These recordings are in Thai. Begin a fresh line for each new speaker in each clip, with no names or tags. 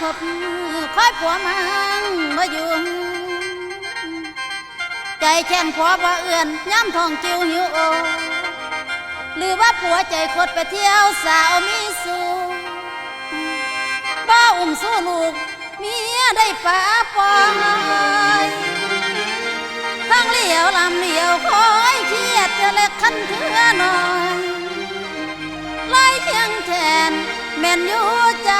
บคอยผัวมันมาอยู่ใจแค้นผัวบ่เอื่อนย้ำทองจิวหิวโอหรือว่าผัวใจคดไปเที่ยวสาวมีสูบ่อุ้มสู้ลูกเมียได้ป่าปอยทั้งเลี้ยวลำเลี้ยวคอยเครียดจะเล็กขันเถื่อหน่อยไล่เคียงแทนแม่นอยู่ใจ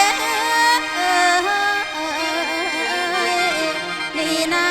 นี่นะ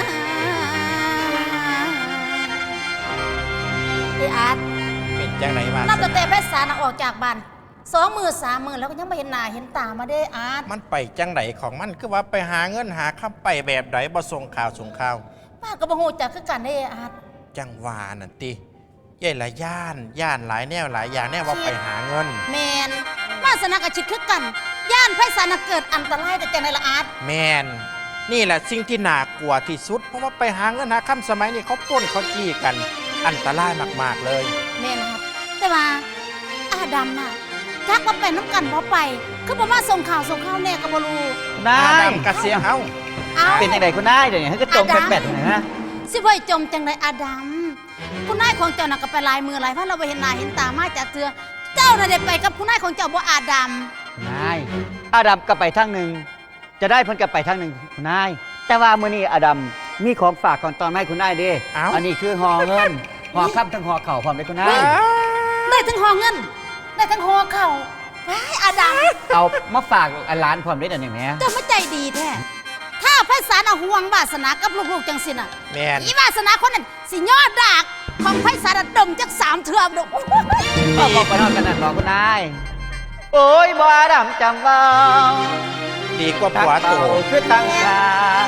ไอ้อาร์ต
เป็นจังไหนมา
นับตั้งแต่เพชรสารออกจากบ้าน2 มื้อ 3 มื้อแล้วก็ยังไม่เห็นหน้าเห็นตามาได้อาร์ต
มันไปจังไหนของมันคือว่าไปหาเงินหาคำไปแบบไหนบ่ส่งข่าวส่งข่าว
ป้าก็บ่ฮู้จักคือกันได้อาร์ต
จังหวานั่นติใหญ่ละย่านหลายแนวหลายอย่างแน่ว่าไปหาเงิน
แมนวาสนากับชิดคือกันย่านไพศาลเกิดอันตรายแต่จังได๋ละอาร์ต
แมนนี่แหละสิ่งที่น่ากลัวที่สุดเพราะว่าไปหาเงินหาคำสมัยนี้เขาปล้นเขาจี้กันอันตรายมากๆเลย
แม่นครับแต่ว่าอาดำน่ะจักว่าไปน้ำกันบ่ไปคือบ่มาส่งข่าวแน่ก็บ่รู้
นาย
กระเสียงเอา
เป็นจังไดคุณนายเดี๋ยวนี้ให้ก็จมแปดๆนะฮะ
สิบ่จมจังไดอาดำคุณนายของเจ้าน่ะก็ไปหลายมือหลายเพราะเราไปเห็นหน้าเห็นตามาจากเทือเจ้าน่ะได้ไปกับคุณนายของเจ้าบ่อาด
ำนายอาดัมก็ไปทางหนึ่งจะได้เพิ่นก็ไปทางหนึ่งคุณนายแต่ว่ามื้อนี้อาดัมมีของฝากของตอนให้คุณนายเด้อันนี้คือห่อเงินห่อค่ำทั้งห่อเข่าพร้อมได้คุณนาย
ได้ทั้งห่อเงินได้ทั้งห่อเข่าว้ายอาดำ
เอามาฝากร้านพร้อมได้เดี๋ยวนี้แหม
เจ้าไม่ใจดีแท้ถ้าไพศาลห่วงวาสนากับลูกๆจังสิน่ะ
แม่น
อีวาสนาคนนั้นสิยอดดากของไพศาลดมจัก3 เทื่อดอก
บอกไปนอนกันนั่นบอกคุณนายโอ้ยบ่อาดัมจำว่า
ดีกว่าผัวโต
คือตั้งตา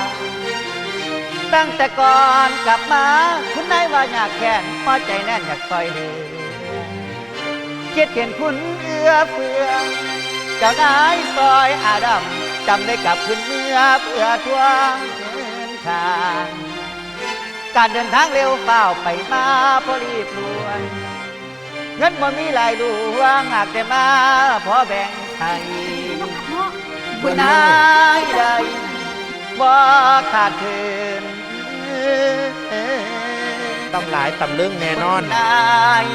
ตั้งแต่ก่อนกลับมาคุณนายว่าอยากแค้นพอใจแน่นอยากต่อยเหเกียดเห็นคุณเอื้อเฟื้อเจ้านายซอยอาดัมจำได้กับคุณเมื่อเพื่อทวงเงินทางการเดินทางเร็วเฝ้าไปมาพอรีบด่วนเงินบ่มีหลายดวงหากแต่มาพอแบ่งให้คุณนายได้บ่ขาดเคิน
ตำหลายตำลึงแน่นอน
นาย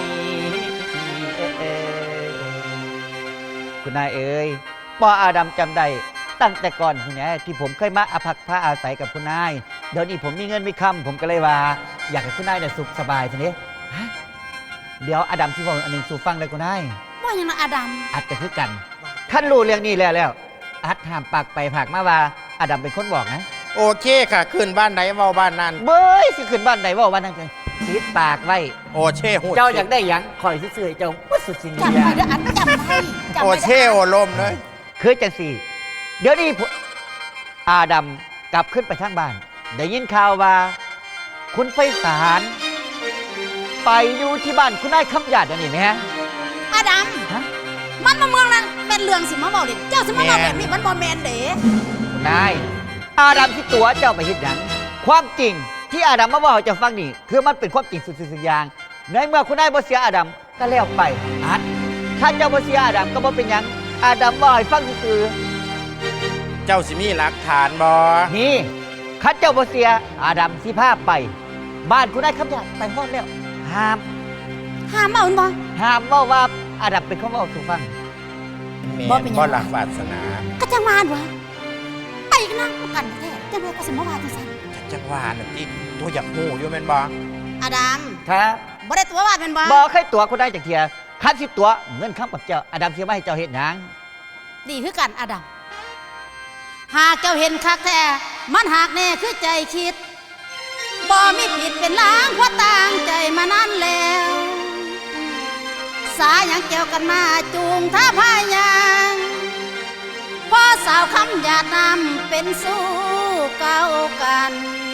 คุณนายเอ๋ยปออาดัมจำได้ตั้งแต่ก่อนคุณนายที่ผมเคยมาอาภักผ้าอาศัยกับคุณนายเดี๋ยวนี้ผมมีเงินมีคำผมก็เลยว่าอยากให้คุณนายเนี่ยสุขสบายทีนี้เดี๋ยวอาดัมที่บอกอันหนึ่งสู่ฟังเลยคุณนาย
ว่าอย่างไรอาดัม
อัดกันคือกันขั้นรู้เรื่องนี้แล้วอัดห้ามปากไปผากมาว่าอาดัมเป็นคนบอกนะ
โอเคค่ะขึ้นบ้านไหนเว้าบ้านนั้น
เบ้ยสิขึ้นบ้านไหนว่าบ้านนั้นปิดปากไว้
โอเช่
เจ้าอยากได้ยังคอยซื่อเจ้าวัดสุดสิ่ง
จำไปเด้ออัดจำไป
โอเช่โอลมเลย
คือจังสี่เดี๋ยวนี้อาดัมกลับขึ้นไปทางบ้านได้ยินข่าวว่าคุณไพศาลไปอยู่ที่บ้านคุณนายคำหยาดนี่ไหมฮะ
อาดัมมันมาเมืองนั้นเป็นเรื่องสิมาบอกดิเจ้าสิมาบอกแบบนี้มันบอแมนเด้
คุณนายอาดัมที่ตัวเจ้าไปเห็นอย่างความจริงที่อาดัมมาบอกจะฟังนี่คือมันเป็นความจริงสุดสิ่งอย่างในเมื่อคุณนายบ่เสียอาดัมก็แล้วไปอัดถ้าเจ้าบ่เสียอาดัมก็บ่เป็นยังอาดัมบ่ให้ฟังคือ
เจ้าสิมีหลักฐานบ่
นี่ข้าเจ้าบ่เสียอาดัมสิพาไปบ้านคุณนายคำหยาดไปฮอดแล้วห้าม
เอาบ่
ห้ามว่าอาดัมเป็นคนเว้าสู่ฟัง
บ่เป็นบ่หลักวาสนา
ก็จังหวานวะไปนั่งกันแท้จังได๋ก็สิมาว่าจังซั่น
จังหวานน่ะติตัวอยากฮู้อยู่แม่นบ่
อาดัม
ครับ
บ่ได้ตัวว่าแม่นบ่
บ่เคยตัวคุณได้จักเที่ยคันสิตัวเงินคำกับเจ้าอาดัมสิมาให้เจ้าเฮ็ดหยัง
ดีคือกันอาดัมหากเจ้าเห็นคักแท้มันหากแน่คือใจคิดบ่มีผิดเป็นล้างเพราะต่างใจมานานแล้วสาหยังเกี่ยวกันมาจูงท่าพายางพอสาวคำหยาดน้ำเป็นสู้เก่ากัน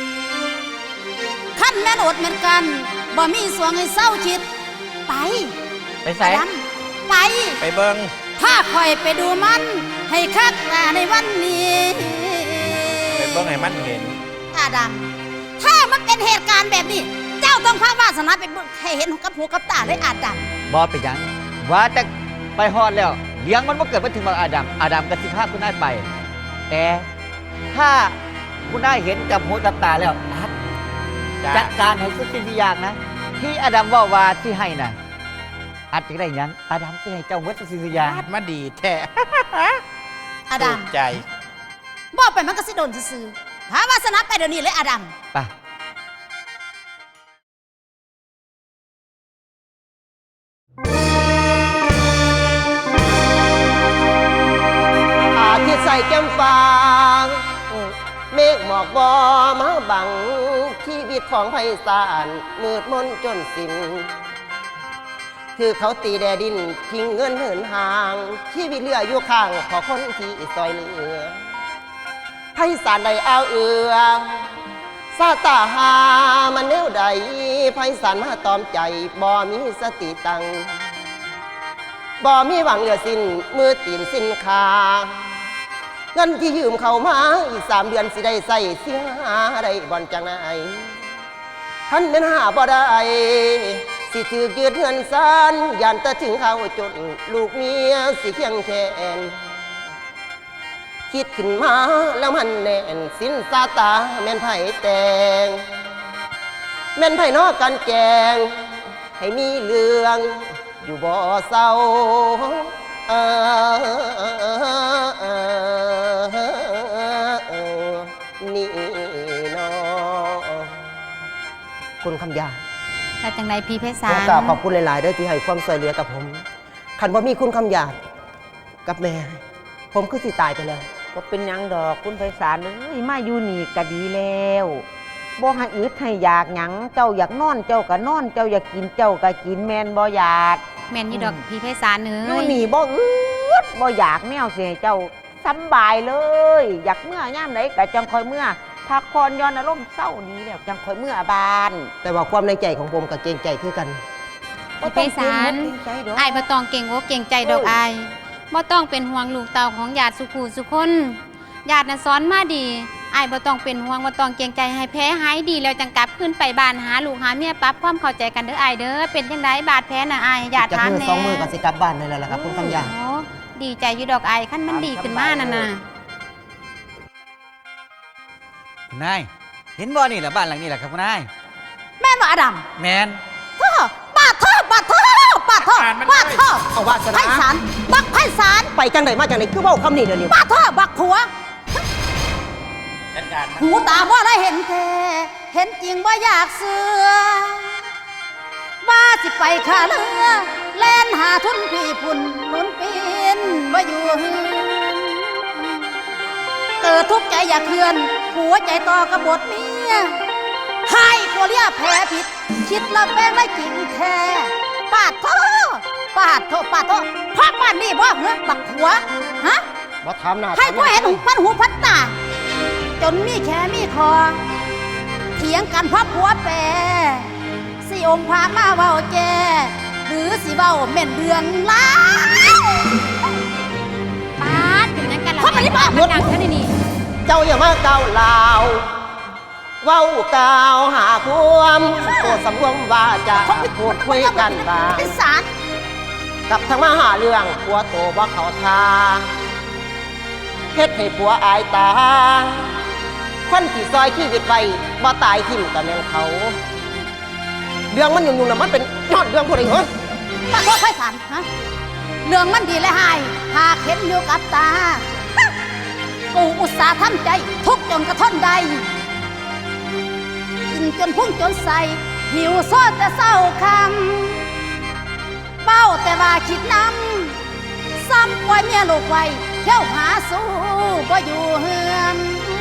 ขั้นแม่นอดเหมือนกันบ่มีสวงให้เศร้าคิดไป
ใส่
ไปเบิ่ง
ถ้าคอยไปดูมันให้คักตาในวันนี้
ไปเบิ่งให้มันเห็น
อาดัมถ้ามันเป็นเหตุการณ์แบบนี้เจ้าต้องพาวาสนาไปเบิ่งให้เห็นกับหูกับตาเลยอาดัม
บ่ไปยังว่าแต่ไปฮอดแล้วเลี้ยงมันบ่เกิดมาถึงบักอาดัมกับสิพาคุณนายไป แต่ถ้าคุณนายเห็นกับหูกับตาแล้วจัดการให้สุดสิ่งทุกอย่างนะที่อาดัมว่าที่ให้น่ะอาจจะได้หยังอาดัมจะให้เจ้าเวทสิ่งทุกอย่าง
มาดีแท้
อาดัม
ถูกใจ
บอกไปมันก็สิโดนซื่อๆหาวาสนาไปเดี๋ยวนี้เลยอาดัม
ไป
อาทิตย์ใส่แก้มฟางเมฆหมอกบอมาบังชีวิตของไพศาลมืดมนจนสิ้นคือเขาตีแดดินทิ้งเงินเหินห่างชีวิตเหลืออยู่ข้างพอคนที่ซอยเหลือไพศาลใดเอาเอือซาตาหามันแนวใดไพศาลมาตอมใจบ่มีสติตังบ่มีหวังเหลือสิ้นมือตีนสิ้นคาเงินที่ยืมเขามาอีก3 เดือนสิได้ใส่เสียหาได้บ่อนจังไหนท่านเป็นหาบ่ได้สิถือยืดเงินซานยันตะถึงเขาจนลูกเมียสิเคียงแขนคิดขึ้นมาแล้วมันแน่นสินซาตาแม่นไผ่แตงแม่นไผ่นอกกันแกงให้มีเรื่องอยู่บ่เศร้านี่เนาะคุณคำยา
แต่จังไดพี่เพชร
ข
สา
อ
ร
กราบขอบคุณหลายๆด้วยที่ให้ความช่วยเหลือกับผมขันว่ามีคุณคำยากับแม่ ผมคือสิตายไปแล้ว
ก็เป็นหยังดอกคุณไพศาลเอ้ยมาอยู่นี่ก็ดีแล้วบ่ให้อึดให้อยากหยังเจ้าอยากนอนเจ้าก็นอนเจ้าอยากกินเจ้าก็กินแม่นบ่อยาก
แม่นอยู่ดอกพี่เพชรสารเนื้
อยู่นี่บ่อึดบ่อยากแนวสิให้เจ้าสำบายเลย อยากเมื่อยามไหนก็จังค่อยเมื่อพักผ่อนย้อนอารมณ์เศร้านี้แล้วจังค่อยเมื่อบ้าน
แต่ว่าความในใจของผมกับเกรงใจคือกัน
พี่เพชรสาร
บ่ต้องเกรงใจดอก
อ้ายบ่ต้องเก่งอกเก่งใจดอกอ้ายบ่ต้องเป็นห่วงลูกเต่าของญาติสุขูสุคนญาติน่ะสอนมาดีอ้ายบ่ต้องเป็นห่วงบ่ต้องเกรงใจให้แพ้หายดีแล้วจังกลับขึ้นไปบ้านหาลูกหาเมียปรับความเข้าใจกันเด้ออ้ายเด้อเป็นจังไดบาดแผลน่ะอ้ายญาติ
จาก
ถาม
มือ
แน่
2 มือกับสิกลับบ้านนี่แหละครับคุณคำยา
โอ้ดีใจอยู่ดอกอ้ายคันมันดีขึ้นมานั่นน่ะ
คุณนายเห็นบ่นี่แหละบ้านหลังนี้แหละครับคุณนาย
แม่นบ่อาดัม
แมน
เธอบาดเธอบาดเธอบาดเธอบาดเธอ
เอาวาสนา
ไพศาลบักไพศาล
ไปจังไหนมาจังไหนคือเว่าคำนี้เดี๋ยวนี้
บาดเธอบักผัว
จัดการมัน
หูตาว่าได้เห็นแท้เห็นจริงว่าอยากเสือว่าสิไปขาเรือแล่นหาทุนพี่พุ่นหนุนปีนว่าอยู่เฮือนเกิดทุกข์ใจอยากเคลื่อน หัวใจต่อกระบทเมียให้ตัวเลียแพ้ผิด คิดละแป้งไม่จริงแท้ปาดโทปาดโทปาดโทพักบ้านนี่บ่เหรอบักผัวฮะ
บ่ถามหน้า
ให้กูเห็นพันหูพันตา จนมีแค่มีคอ เถียงกันเพราะผัวแปรสิองค์พามาเว้าแจหรือสิเว้าแม่นเดืองล้ายปาดเป็นยังกันล่ะคนมันนี่บ้ามันดังเท่านี้นี่
เจ้าอย่ามาก้าวลาวเว้ากล่าวหาความโปรดสำรวมว่าจะพูดคุยกันบ้าง
เป็นสาร
กับทั้งมาหาเรื่องผัวโตบ่เขาทาเฮ็ดให้ผัวอายตาคนที่ซอยชีวิตไปบ่ตายทิ่มกับแม่นเขา เรื่องมันยุ่งๆน่ะมันเป็นยอดเรื่องพวกนี้เหรอ
ปาดโทษไพศาลฮะเรื่องมันดีและหายหากเห็นอยู่กับตาฮะกูอุตส่าห์ทำใจ ทุกข์จนกระท่อนใด กินจนพุ่งจนใส่ หิวโซดแต่เศร้าคำเป้าแต่ว่าคิดนำซ้ำปล่อยเมียลูกไว้เที่ยวหาสู้บ่อยู่เฮือน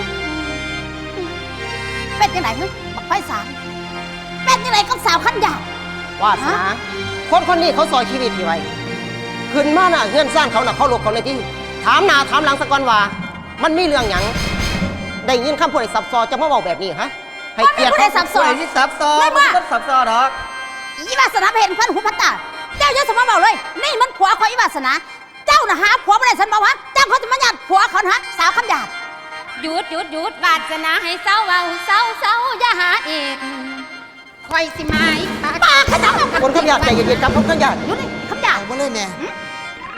เป็นยังไงฮึบักไพศาลเป็นยังไงกับสาวขันยาว
วาสนาคนคนนี้เขาซอยชีวิตที่ไว้ขึ้นมาน่ะเงื่อนสร้างเขาน่ะเขาหลบเขาในที่ถามหน้าถามหลังสักก่อนว่า มันมีเรื่องหยังได้ยินคำพูดไอ้ซับซ้อนจะมาบอกแบบนี้ฮะให้เกียรติ
บ่มีผู้ใดซับซ้อน
ผู้ใดที่ซับซ้อน
ไม่ว่า
มันซับซ้อนดอก
อีวาสนาไปเห็นพันหูพันตา เจ้าอย่าสมมาเบาเลย นี่มันผัวของอีวาสนา เจ้าน่ะหาผัวไม่ได้สันบอกว่าเจ้าเขาจะมาหยาดผัวเขานะสาวคำหยาด
หยุดหยุดหยุดวาสนาให้เศร้าเว้าเศร้าเศร้าอย่าหาอีกคอยสิมาอีกค่ะ
ปากขนาด
คนคำหยาดใจเย็นๆครับคนคำหยาด
อยู่นี่คำหยาด
มาเลยแม่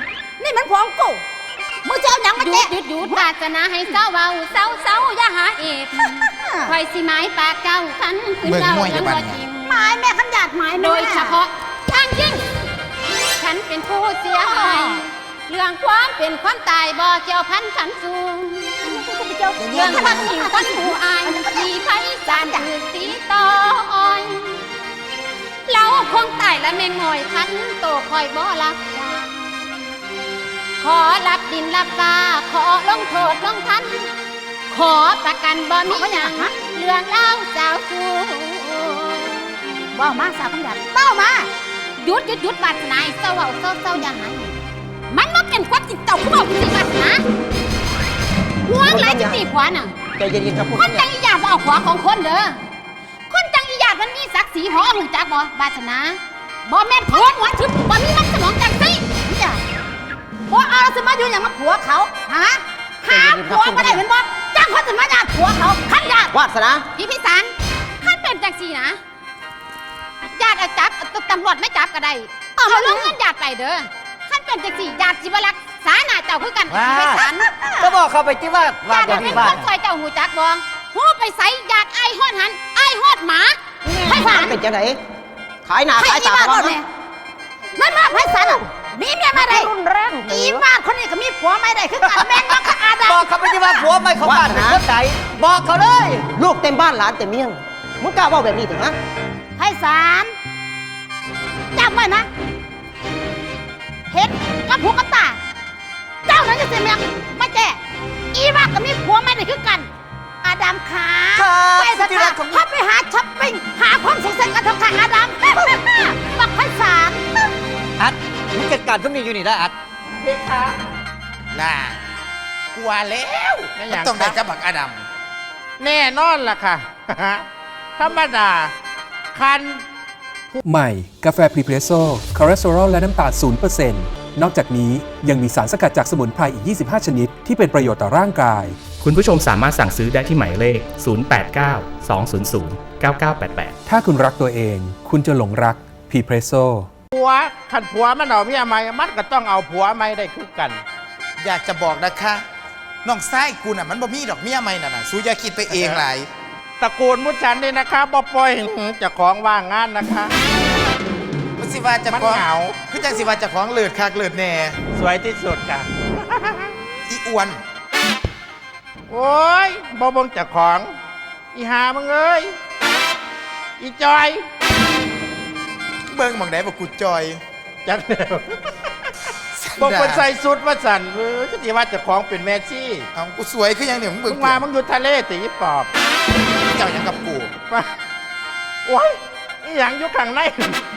นี่มันผัวของกูมึงจะเอาหยังมา
หยุ
แจ้
ดหยุดหยุดวาสนาให้เศร้าเว้าเศร้าเศร้าอย่าหาเอกคอยสิหมายปากเจ้าคันคือเจ้ายังบ่จริง
หมายแม่คำหยาดหมายแม่
โดยเฉพาะทางยิ่งฉันเป็นผู้เสียหายเรื่องความเป็นความตายบ่เกี่ยวพันขันสูงเรื่องพันยิ่งคนผู้อายมีไพศาลถือสีต่ออ่อยเราคงตายและแม่งอยทันโตคอยบ่รักษาขอรับดินรับฟ้าขอลงโทษลงทัน ขอประกันบ่มีหยังเรื่องเล่าสาวสู
ว้าวมาสาวคำหยาดเต้ามา
หยุดวาสนาเศร้าเศร้าอย่าหายมันบ่เป็นความจริงเจ้าผู้บอกสิวาสนาห่วงหลายจะตีผัวน่ะ
ใจเย็นๆครับคุณ
คนจังอีหยาดบ่เอาผัวของคนเด้อคนจังอีหยาดมันมีศักดิ์ศรีพอหูจักบ่วาสนาบ่แม่นผัวหัวทึบบ่มีมันสมองจังซี่
เนี่ยผัวเอาแล้วสิมาอยู่อย่างมาผัวเขาฮะหาผัวมาได้เป็นบ่จ้างคนสิมาหยาดผัวเขาขันหยาด
วาสนา
พี่พิสารขั้นเป็นจังซี่นะญาติเอาจับตำรวจไม่จับก็ได้เอามาลงเงินญาติไปเด้อขั้นเป็นจังซี่ญาติสิบ่รักษาหน้าเจ้าคือกันพี่พิสาร
ก็บอกเขาไปที่ว่า
ญาติ
จะ
เป็
มี
น
บ้า
คน นซอยเจ้าหูจักบ่หูไปใส่ญาติไอ้ฮอดหันไอ้ฮอดหมาไผ่ผ่าน
เป็นจังไหนขายหน้า
ใคร
ขาย
อี
ตา
บ้า
เขา
บ่เนี่ยนั่นมาไพศาลอ่ะมีเมียมาได้
รุนแรงเถ
อี
อะ
บ้านคนนี้ก็มีผัวไม่ได้คือกันแม่นว่าอาดา
บอกเขาไปที่ว่าผัวไม่เขาบ้านเป็นคนไหนบอกเขาเลย
ลูกเต็มบ้านหลานเต็มเมียงมึงกล้าว่าแบบนี้ถึงฮะ
ไพศาลจำไว้นะเห็นกับผัวกับตา เจ้านั้นจะเสียเมียมาแจ้อีบ้านก็มีผัวไม่ได้คือกัน อาดัมขา
ครับ
ไปเถอะค่ะเขาไปหาช้อปปิ้งหาความสุขสันต์กันเถอะค่ะอาดัมบักไพศาล
อัดมึงจัดการทุกนี้อยู่นี่ได้อัด
น่ากลัวแล้วไม่อย่างต้องได้กับบักอดัมแน่นอนล่ะค่ะ ธรรมดาคัน
ใหม่ กาแฟพรีเพรสโซ่คอเลสเตอรอลและน้ำตาล0%นอกจากนี้ยังมีสารสกัดจากสมุนไพรอีก 25 ชนิด ที่เป็นประโยชน์ต่อร่างกาย
คุณผู้ชมสามารถสั่งซื้อได้ที่หมายเลข 089 200 9988
ถ้าคุณรักตัวเอง คุณจะหลงรักพรีเพรสโซ่
ผัวขันผัวมันเอาเมียใหม่มันก็ต้องเอาผัวใหม่ได้คือกัน
อยากจะบอกนะคะน้องไส้กูน่ะมันบ่มีดอกเมียใหม่น่ะนะสู้อย่าคิดไปเองหลาย
ตระกูลมุชันนี่นะคะบ่ปล่อยให้เจะของว่างงานนะคะ
มันสิว่าจะ
มัน
ของ
เหงา
คือจังสิว่าจะของเลิศคักเลิศแน่
สวยที่สุดค่ะ
อีอ้วน
โอ้ยบ่เบงเจากของ อีหามึงเอ้ย อีจอย
เบิ่งหม่องใดบ่กูจอย
จักเดียวบอกคนใส่สุดว่าสันก็ที่ว่าเจะของเป็นแมซี่
เอากูสวยคือหยังเนี่ยมึง
มึ
เบิ่ง
งมามึงอยู่ทะเลตีปอบ
เจ้าหยังกับกู
มาโอ้ยอีหยังอยู่ข้างใน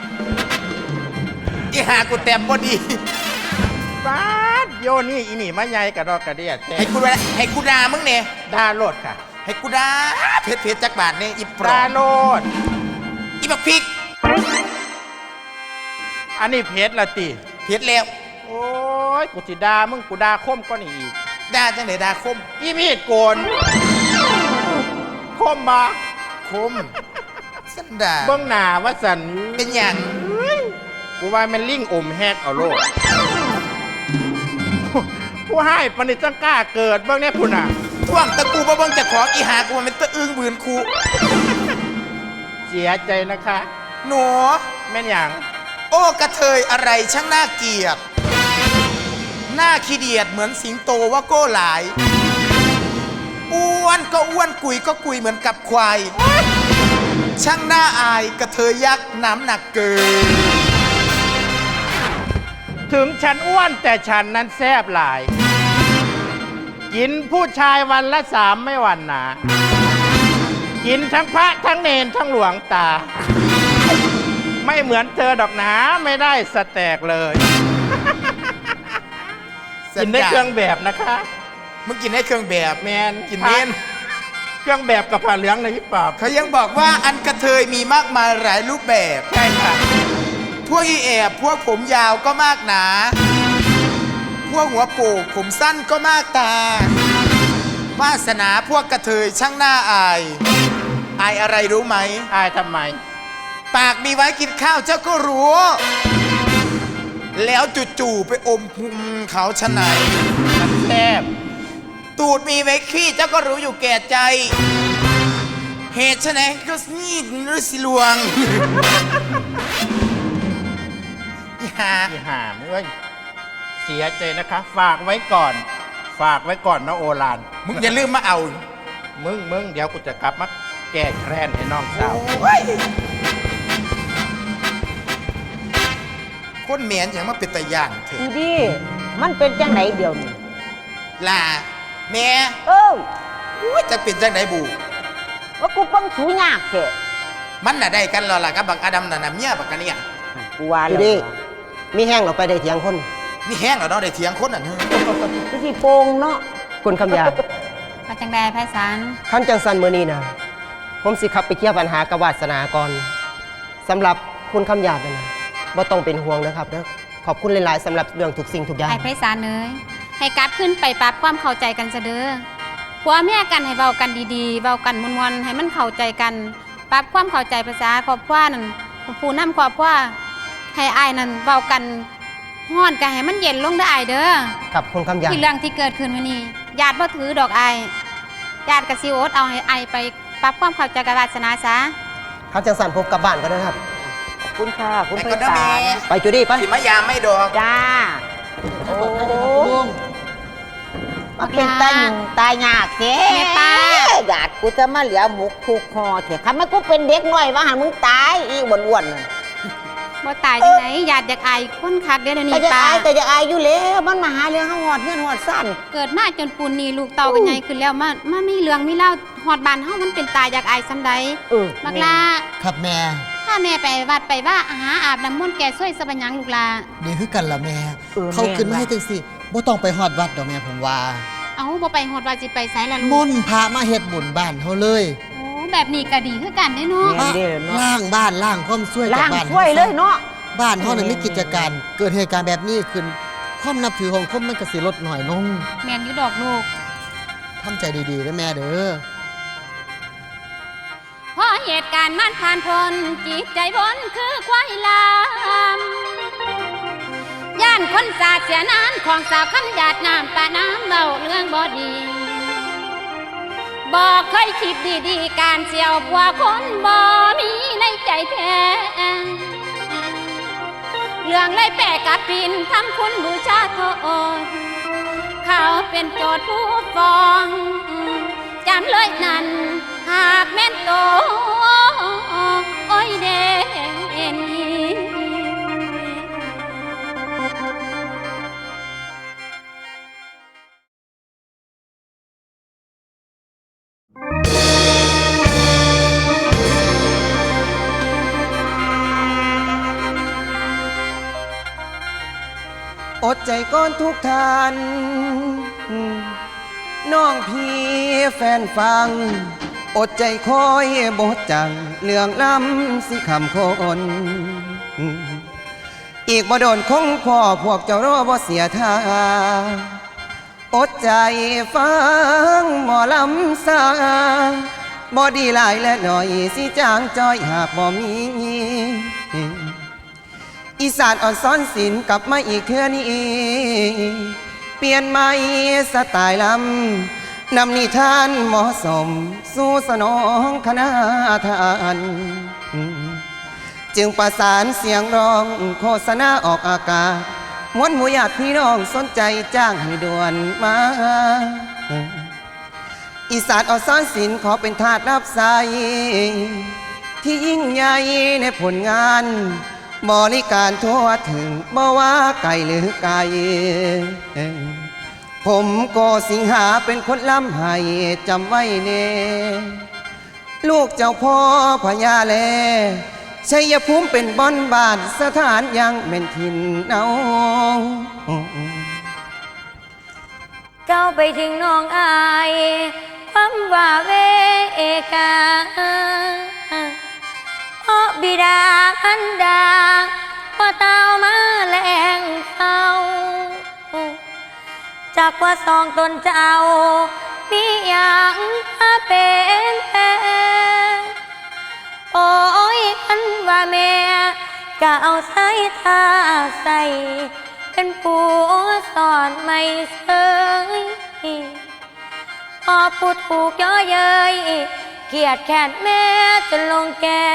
อีหากูแต้มบ่ดี
บ้าดโยนี่อีนี่มาใหญ่กระดอกกระเดียดแท้
ให้กูด่ามึงเนี่ย
ดาโลดค่ะ
ให้กูด่าเพชรจักบาทเนี่ยอีปลอ
ดาม โลด
อีบักพริก
อันนี้เพชรละติ
เพชรแล้ว
โอ้ยกูสิดามึงกูดาคมก็นี่อีก
ด่าจังได๋ด่าคม
อีมีดโกนคมบา
คมสันด่า
เบื้องหน้าว่าสัน
เป็นหยัง
กูว่ามันลิงอมแฮกเอาโลดผู้ให้ปณิจังกล้าเกิดเบื้องเนี้ยพุ่นอ่ะ
ท่วงตะกูบ่เบิ่งเจะของอีหากูมันเป็นตะอึ้งบืนคู
เสียใจนะคะ
หนู
แม่นอย่าง
โอ้กระเทยอะไรช่างน่าเกลียดหน้าขี้เดียดเหมือนสิงโตว่าโก้หลาย อ้วนก็อ้วนกุยก็กุยเหมือนกับควาย ช่างน่าอายกระเทยยักษ์น้ำหนักเกิน
ถึงฉันอ้วนแต่ฉันนั้นแซบหลาย กินผู้ชายวันละ3ไม่หวันหนา กินทั้งพระทั้งเนนทั้งหลวงตา ไม่เหมือนเธอดอกหนาไม่ได้สแตกเลย กินได้เครื่องแบบนะคะ
มึงกินได้เครื่องแบบ
แมน
กินเน้น
เครื่องแบบกับผ้าเหลืองในฮิปปอบ
เขายังบอกว่าอันกระเทยมีมากมายหลายรูปแบบ
ใช่ค่ะ
พวกอีแอบพวกผมยาวก็มากหนา พวกหัวโปกผมสั้นก็มากตาวาสนาพวกกระเทยช่างหน้าอาย อายอะไรรู้ไหม
อายทำไม
ปากมีไว้กินข้าวเจ้าก็รู้แล้วจู่ๆไปอมพุงเขาชะไหน
มันแซ่บ
ตูดมีไว้ขี้เจ้าก็รู้อยู่แก่ใจ เหตุชะไหนก็นี่หรือสิลวง อย่า
ที่หามเอ้ยเสียใจนะคะ ฝากไว้ก่อน ฝากไว้ก่อนนะโอลาน
มึงอย่าลืมมาเอา
มึงเดี๋ยวกูจะกลับมาแก้แค้นให้น้องสาว
คนเหมียนอย่างมาเป็นตะย่านเถ
อี
อะ
ดีมันเป็นจังไหนเดียวนี่
ล่ะแม่
ย
จะเป็นจังไหนบู
ว่ากูเปังสูยากแท้
มันน่ะได้กันแล้วล่ะกับบักอดัมน่ะนะเมียบักกันเนี่ย
กูว่า
อยู่
แล้ว
ดีมีแห้งเราไปได้เถียงคน
นี่แห้งแล้วเนาะได้เถียงคนน่ะเนอะ
กูสิโปงเนาะ
คุณคำยา
มาจังใดไพศาล
ขั้นจังสันมือนี้นะผมสิขับไปเคลียร์ปัญหากับวาสนาก่อนสำหรับคุณคำยาดนะบ่ต้องเป็นห่วงนะครับเด้อขอบคุณหลายๆสำหรับเรื่องทุกสิ่งทุกอย่าง
ไอ้ไพศาลเอ้ยให้กลับขึ้นไปปรับความเข้าใจกันซะเด้อผัวเมียกันให้เว้ากันดีๆเว้ากันมวนๆให้มันเข้าใจกันปรับความเข้าใจภาษาครอบครัวนั่นผู้นำครอบครัวให้อ้ายนั่นเว้ากันฮ้อนกันให้มันเย็นลงเด้ออ้ายเด้อ
ครับคุณคำยาด
ที่เรื่องที่เกิดขึ้นวันนี้ญาติบ่ถือดอกอ้ายญาติก็สิโอดเอาให้อ้ายไปปรับความเข้าใจกับวาสนาซะ
ขั้นจังสันผมกลับบ้านก็ได้ครับ
ขอบคุณค่ะคุณ
ไป
ไพ
ก่อนนะ
ศา
แม่
ล
ไปจูดี้ไป
สิมายามไม่ดอก
จ้าโอ้มาเป็นตาหนุ่มตายากแท้
แม่ป้า
หยาดกูจะมาเหลือหมุกถูกคอเถอะทำไมกูเป็นเด็กน้อยว่าหันมึงตายอีอ้วนๆน่ะ
บ่ตายจังไหนญาติอยากอายคนคักเด้อเดี๋ยว
ก็
นี้
จะ
ป้า
อายแต่จะอายอยู่แล้วมันมาหาเรื่องเขาหอดเงื่อนหอดสั้น
เกิดมาจนปูนนี่ลูกเต่ากันใหญ่ขึ้นแล้วมามีเรื่องมีเล่าฮอดบ้านเฮามันเป็นตายอยากอายซำใดบักลา
ครับแม่
ถ้าแม่ไปวัดไปว่าหาอาบน้ำมนต์แก่ช่วยสบัญญังลูกลา
นี่คือกันละแม่ เขาขึ้นมาให้จังสิบ่ต้องไปฮอดวัดดอกแม่ผมว่า
เอาบ่ไปฮอดว่าสิไปไสล่ะ
ม
ลูก
นต์พระมาเฮ็ดบุญบ้านเฮาเลย
โอ้แบบนี้ก็ดีคือกันเด้เนาะ
แม่นเด้อเนาะ
ล่างบ้านล่างความช่วยจาก
ล่าง
บ้าน
ช่วยเลยเนาะ
บ้านเฮาน่ะมีกิจการ เกิดเหตุการณ์แบบนี้ขึ้น ความนับถือของคนมันก็สิลดน้อยลง
แม่นอยู่ดอกลูก
ทำใจดีๆนะแม่เด้อ
เพราะเหตุการณ์มันผ่านพ้นจิตใจพ้นคือควายลามย่านคนสาดเสียนานของสาวคำหยาดน้ำปะน้ำเบาเรื่องบ่ดีบอกเคยคิดดีๆการเสียวผัวคนบ่มีในใจแท้เรื่องเลยแปะกับปินทำคุณบูชาโทษเขาเป็นโจทย์ผู้ฟ้องจำเลยนั้นหากแม่นโตโอ้ยเด่น
อดใจก่อนทุกท่านน้องพี่แฟนฟัง อดใจคอยบทจังเรื่องล้ำสิคำคนอีกบ่โดนคงพ่อพวกเจ้ารอบ่เสียท่าอดใจฟังหมอลำซาบ่ดีหลายและหน่อยสิจางจอยหากบ่มี อีสานอ่อนซ้อนศิลป์กลับมาอีกเทื่อนี้เปลี่ยนใหม่สไตล์ลำนำนิทานเหมาะสมสู่สนองคณะทานจึงประสานเสียงร้องโฆษณาออกอากาศมวลหมู่ญาติพี่น้องสนใจจ้างให้ด่วนมาอีสานอ่อนซ้อนศิลป์ขอเป็นทาสรับใช้ที่ยิ่งใหญ่ในผลงานบริการทั่วถึงบ่ว่าไกลหรือไกลผมโกสิงหาเป็นคนล้ำให้จำไว้เน่ลูกเจ้าพ่อพญาแลชัยภูมิเป็นบ่อนบ้านสถานยังเป็นถิ่นเอา
เจ้าไปถึงน้องอายความว่าเวกาเพราะบิดาอันดาพอเต้ามาแรงเฝ้าจากว่าสองตนเจ้ามีอย่างมาเป็นโอ้ยคันว่าแม่ก็เอาสายตาใส่เป็นผู้สอนไม่เสยพอพูดถูกย่อเย้ยเกลียดแค้นแม่จนลงแก่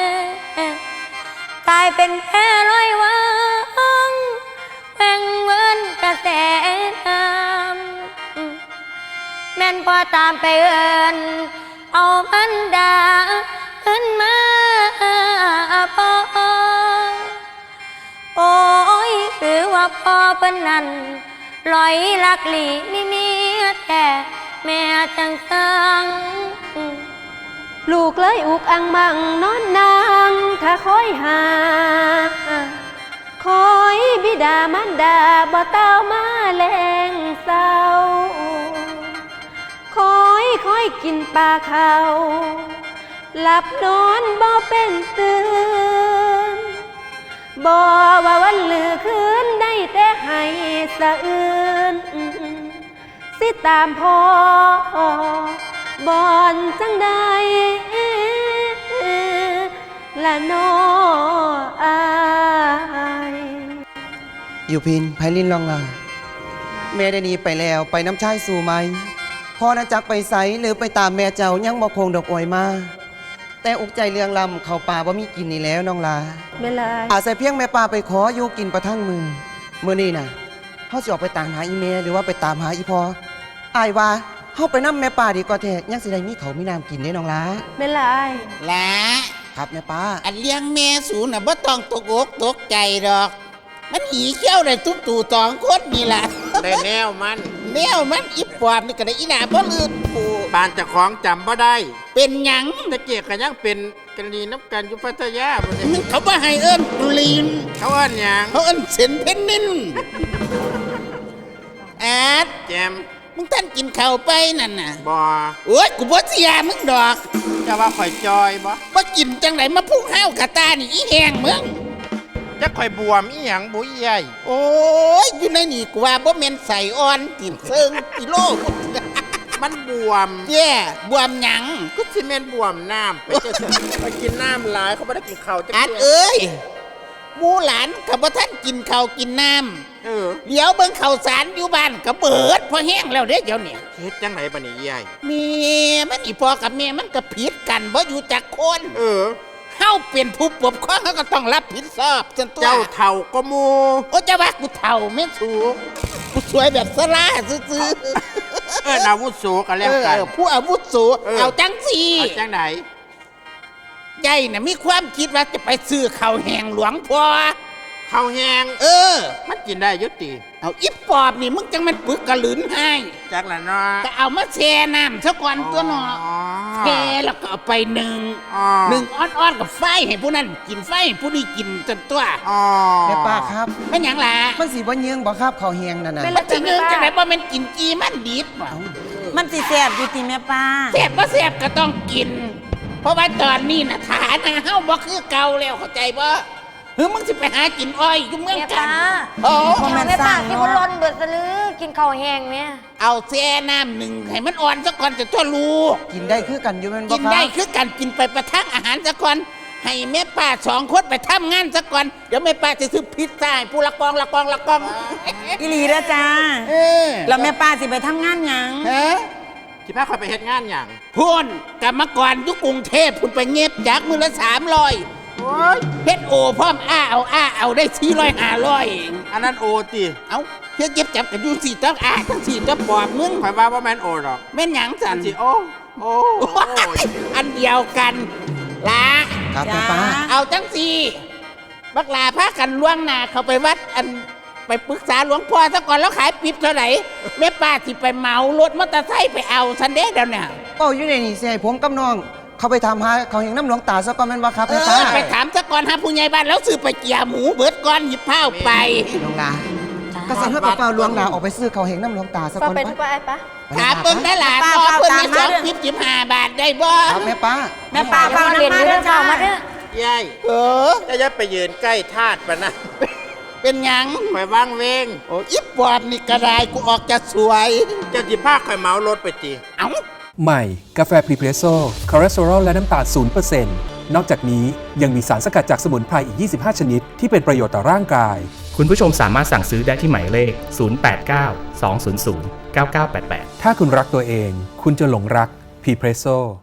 กลายเป็นแค่ร้อยวังแหว่งเวินกระแสน้ำแม่นพอตามไปเอินเอามันดาขึ้นมาพอโอ้ยหรือว่าพ่อเป็นนั้นลอยลักหลีมีเมียแท้แม่จังสัง
ลูกเลยอุกอังมังนอนนางถ้าคอยหาคอยบิดามันดาบ่เต้ามาแลงเศร้าคอยกินปลาเขาหลับนอนบ่เป็นตื่นบ่ว่าวันลือคืนได้แต่ให้สะอื่นสิตามพ่อบอนจังใดละน้ออาย
อยู่พินไพลินลองลาแม่ได้หนีไปแล้วไปน้ำชายสู่ไหมพ่อนะจักไปไสหรือไปตามแม่เจ้ายังบ่คงดอกอวยมาแต่อกใจเรื่องลำเขาป่าบ่มีกินนี่แล้วน้องลา
ไม่ลาย
อาศัยเพียงแม่ป่าไปขออยู่กินประทังมือนี่น่ะเขาสิออกไปตามหาอีเมหรือว่าไปตามหาอีพออายว่าเขาไปนั่แม่ป่าดีกว่าแท้ยังสิได้มีเขามีน้ำกินได้น้องลา
ไม่ลาย
ละ
ครับแม่ป่า
อันเลี้ยงแม่สูน่ะบ่ต้องตกอกตกใจดอก มันหีเขี้ยวได้ทุกตู่ตองคนนี่ล่ะได้แนวมันอีปอบนี่ก็ได้อีหน้าบ่ลืมผู้บ้านเจ้าของจำบ่ได้ เป็นหยังตะเกียกก็ยังเป็นกรณีน้ำกันอยู่พัทยาบ่ได้เขาบ่ให้เอิ้นตุลีนเขาเอิ้นหยังเขาเอิ้นเซนเพนนินแอดแจมมึงท่านกินข้าวไปนั่นน่ะบ่โอ้ยกูบ่เสียมึงดอกจะว่าข่อยจอยบ่กินจังไดมาพุ่งห้าวกะตานี่อีแหงมึงจะข่อยบวมอีหยังบุ้ยใหญ่โอ้ยอยู่ในนี่กูว่าบ่แม่นใส่อ่อนติ่มเซิงกิโลมันบวมแย่บวมหยังก็สิแม่นบวมน้ำไปกินน้ำหลายเขาบ่ได้กินข้าวจังอัดเอ้ยหมู่หลานก็บ่ทันกินข้าวกินน้ำเดี๋ยวเบิ่งข้าวสารอยู่บ้านก็เบิดพอแห้งแล้วเด้เดี๋ยวนี้เฮ็ดจังไดบัดนี้ใหญ่แม่มันอีพ่อกับแม่มันก็ผิดกันบ่อยู่จักคนเฮาเป็นผู้ปกครองเขาก็ต้องรับผิดชอบจนตัวเจ้าเฒ่าก็หมู่โอ้จะว่ากูเฒ่าแม่สูกูสวยแบบสลาซื่อๆอาวุโสกันแล้วกันผู้อาวุโสเอาจังสิเอาจังไหนใหญ่น่ะมีความคิดว่าจะไปซื้อข้าวแห้งหลวงพ่อข้าวแห้งมันกินได้ยุติเอาอิปปอบนี่มึงจังมันปึกกระหลืนให้จักละเนาะก็เอามาแช่น้ำซะก่อนตัวเนาะแช่แล้วก็เอาไปหนึ่งอ้อนๆกับไฟให้ผู้นั้นกินไฟให้ผู้นี้กินจนตัว
แม่ป้าครับ
มันหยังล่ะ
มันสิบ่เยืองบ่ครับข้าวแห้งนั่นน่ะ
มันสิเยืองจังได๋บ่แม่นกินกีมันดิบ
มันสิแซ่บอยู่ติแม่ป้า
แซ่บบ่แซ่บก็ต้องกินเพราะว่าตอนนี้น่ะฐานะเฮาบ่คือเก่าแล้วเข้าใจบ่มึงสิไปหากินอ้อยอยู่เมืองกัน
แม่ป้าที่บุรอนเบิดสลือกินข้าวแห้งเนี่ย
เอาแช่น้ำหนึ่งให้มันอ่อนซะก่อนจะทั่วรู
กินได้คือกันอยู่แม่นบ่ครับ
กินได้คือกันกินไปประทังอาหารซะก่อนให้แม่ป้า2คนไปทำงานซะก่อนเดี๋ยวแม่ป้าจะซื้อพิซซ่าให้ผู้ละกอง
อีหลีเด้อจ้าแล้วแม่ป้าสิไปทำงานหยัง
สิพาข่อยไปเฮ็ดงานหยังพุ่นกรรมกรอยู่กรุงเทพพุ่นไปเงียบจากมื้อละ300เฮ็ดโอพร้อมเอาได้400-500อันนั้นโอติเอ้าเฮ็ดเก็บจับกันอยู่4ต้องทั้ง4ต้องปอบมึงข่อยว่าบ่แม่นโอดอกแม่นหยังสั่นสิโออันเดียวกันล่ะ
ครับแม่ป้า
เอาจังซี่บักลาพากันล่วงหน้าเข้าไปวัดอันไปปรึกษาหลวงพ่อซะก่อนแล้วขายปิ๊บเท่าไหร่แม่ป้าสิไปเหมารถมอเตอร์ไซค์ไปเอาซันเด้เดี๋ยวนี้
อยู่ในนี่สิให้ผมกับน้องเขาไปทำหาเขาเห็นน้ำหลวงตาซะก่อนแม่นบ่ครับแม่ป้า
ไปถามซะก่อนหาผู้ใหญ่บ้านแล้วซื้อไปเกี่ยหมูเบิดก่อนหยิบผ้าไป
หลวงตาก็สั่งให้ป้าหลวงตาออกไปซื้อเขาเห็นน้ำหลวงตาซะก่อน
ไป
ถามเพิ่นได้ล่ะต่อเพิ่นได้2 15 บาทได้บ่
ครับแม่ป้า
เฝ้าเรียนอยู่เด้อจ้ามาเด้
อยายจะยัดไปยืนใกล้ธาตุปะนะเป็นหยังข่อยว่างเวงโอ้อิบปอบนี่กระไรกูออกจะสวยจะสิพาข่อยเมารถไปติเอ้า
ใหม่กาแฟพรีเพรสโซ่คอเลสเตอรอลและน้ำตาล 0% นอกจากนี้ยังมีสารสกัดจากสมุนไพรอีก 25 ชนิดที่เป็นประโยชน์ต่อร่างกาย
คุณผู้ชมสามารถสั่งซื้อได้ที่หมายเลข 089 200 9988
ถ้าคุณรักตัวเอง คุณจะหลงรักพรีเพรสโซ่